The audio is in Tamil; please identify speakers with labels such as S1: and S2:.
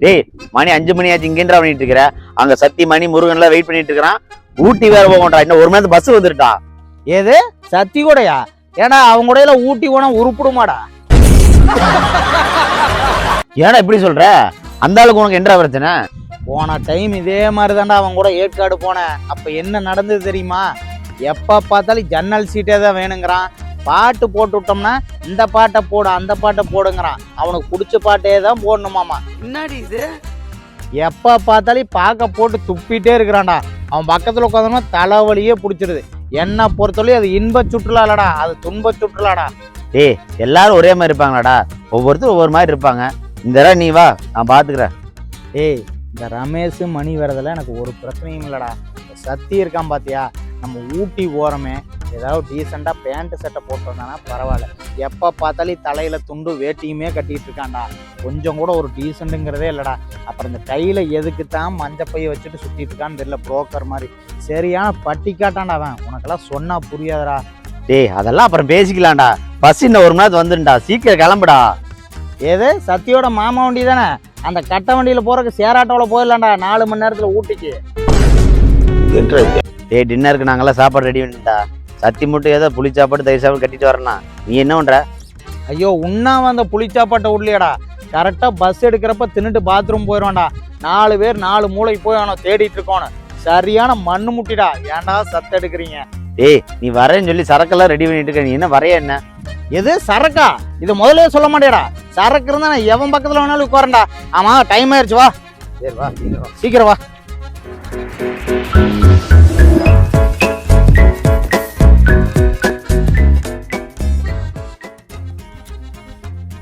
S1: டேய் மணி 5 மணி ஆச்சு இங்கேன்றா பண்ணிட்டு இருக்கிற. அங்க சத்தி மணி முருகன் எல்லாம் வெயிட் பண்ணிட்டு இருக்கிறான். ஊட்டி வேற போகன்றா. இன்னும் 1 மணி நேரத்து பஸ் வந்துருட்டா.
S2: ஏது சத்தி கூடயா? ஏன்னா அவங்க கூடையில ஊட்டி போனா உருப்பிடுமாடா.
S1: ஏன்னா இப்படி சொல்ற? அந்த ஆளுக்கு உனக்கு என்ன பிரச்சனை?
S2: போன டைம் இதே மாதிரி தான்டா அவன் கூட ஏற்காடு போனேன். அப்ப என்ன நடந்தது தெரியுமா? எப்ப பார்த்தாலும் ஜன்னல் சீட்டே தான் வேணுங்கிறான். பாட்டு போட்டு விட்டோம்னா இந்த பாட்டை போடு அந்த பாட்டை போடுங்கிறான். அவனுக்கு பிடிச்ச பாட்டே தான் போடணுமாமா.
S3: என்னடி இது?
S2: எப்ப பார்த்தாலும் பார்க்க போட்டு துப்பிட்டே இருக்கிறான்டா. அவன் பக்கத்துல உட்காந்தோம்னா தலைவலியே பிடிச்சிருது. என்ன பொறுத்தவரையும் அது இன்ப சுற்றுலா இல்லடா, அது துன்ப சுற்றுலாடா.
S1: டேய் எல்லாரும் ஒரே மாதிரி இருப்பாங்களாடா? ஒவ்வொருத்தரும் ஒவ்வொரு மாதிரி இருப்பாங்க. இந்த தடவை நீ வா, நான் பாத்துக்கிறேன்.
S2: ஏய் இந்த ரமேஷ் மணி வரதெல்லாம் எனக்கு ஒரு பிரச்சனையும் இல்லடா. சத்தி இருக்கான் பாத்தியா, நம்ம ஊட்டி ஓரமே ஏதாவது டீசெண்டாக பேண்ட் சட்டை போட்டு வந்தானா பரவாயில்ல. எப்போ பார்த்தாலும் தலையில துண்டு வேட்டியுமே கட்டிட்டு இருக்கான்டா. கொஞ்சம் கூட ஒரு டீசெண்ட்டுங்கிறதே இல்லைடா. அப்புறம் இந்த கையில் எதுக்கு தான் மஞ்சப்பையை வச்சுட்டு சுற்றிட்டு இருக்கான்னு தெரியல, புரோக்கர் மாதிரி. சரியான பட்டி காட்டான்டா அவன். உனக்கெல்லாம் சொன்னா புரியாதடா.
S1: டேய் அதெல்லாம் அப்புறம் பேசிக்கலாம்டா. பஸ் இன்னும் 1 மணி நேரத்துக்கு வந்துடும்டா. சீக்கிரம் கிளம்புடா.
S2: ஏது சத்தியோட மாமா வண்டி தானே? அந்த கட்ட வண்டியில் போறதுக்கு சேராட்டோவில் போயிடலாம்டா 4 மணி நேரத்தில் ஊட்டிக்கு.
S1: டேய் டின்னருக்கு நாங்கெல்லாம் சாப்பாடு ரெடி பண்ணிட்டா. சத்தி மட்டும் ஏதோ புளி சாப்பாடு தயிர் சாப்பாடு கட்டிட்டு வரலாம். நீ என்ன பண்ற?
S2: ஐயோ உண்ணாம அந்த புளிச்சாப்பாட்டை விடலையாடா. கரெக்டாக பஸ் எடுக்கிறப்ப தின்னுட்டு பாத்ரூம் போயிடுவான்டா. 4 பேர் 4 மூளைக்கு போய் அவனை தேடிட்டு இருக்கோன்னு. சரியான மண்ணு முட்டிடா. ஏன்டா சத்து எடுக்கிறீங்க?
S1: டேய் நீ வரேன்னு சொல்லி சரக்கெல்லாம் ரெடி பண்ணிட்டு இருக்க. நீ என்ன வரைய என்ன?
S2: எது சரக்கா? இது முதல்ல சொல்ல மாட்டேடா. சரக்கு இருந்தா நான் எவன் பக்கத்துல வேணாலும் உட்காரண்டா. ஆமா டைம் ஆயிடுச்சு, வா.
S1: சரி வா
S2: சீக்கிரம் வா.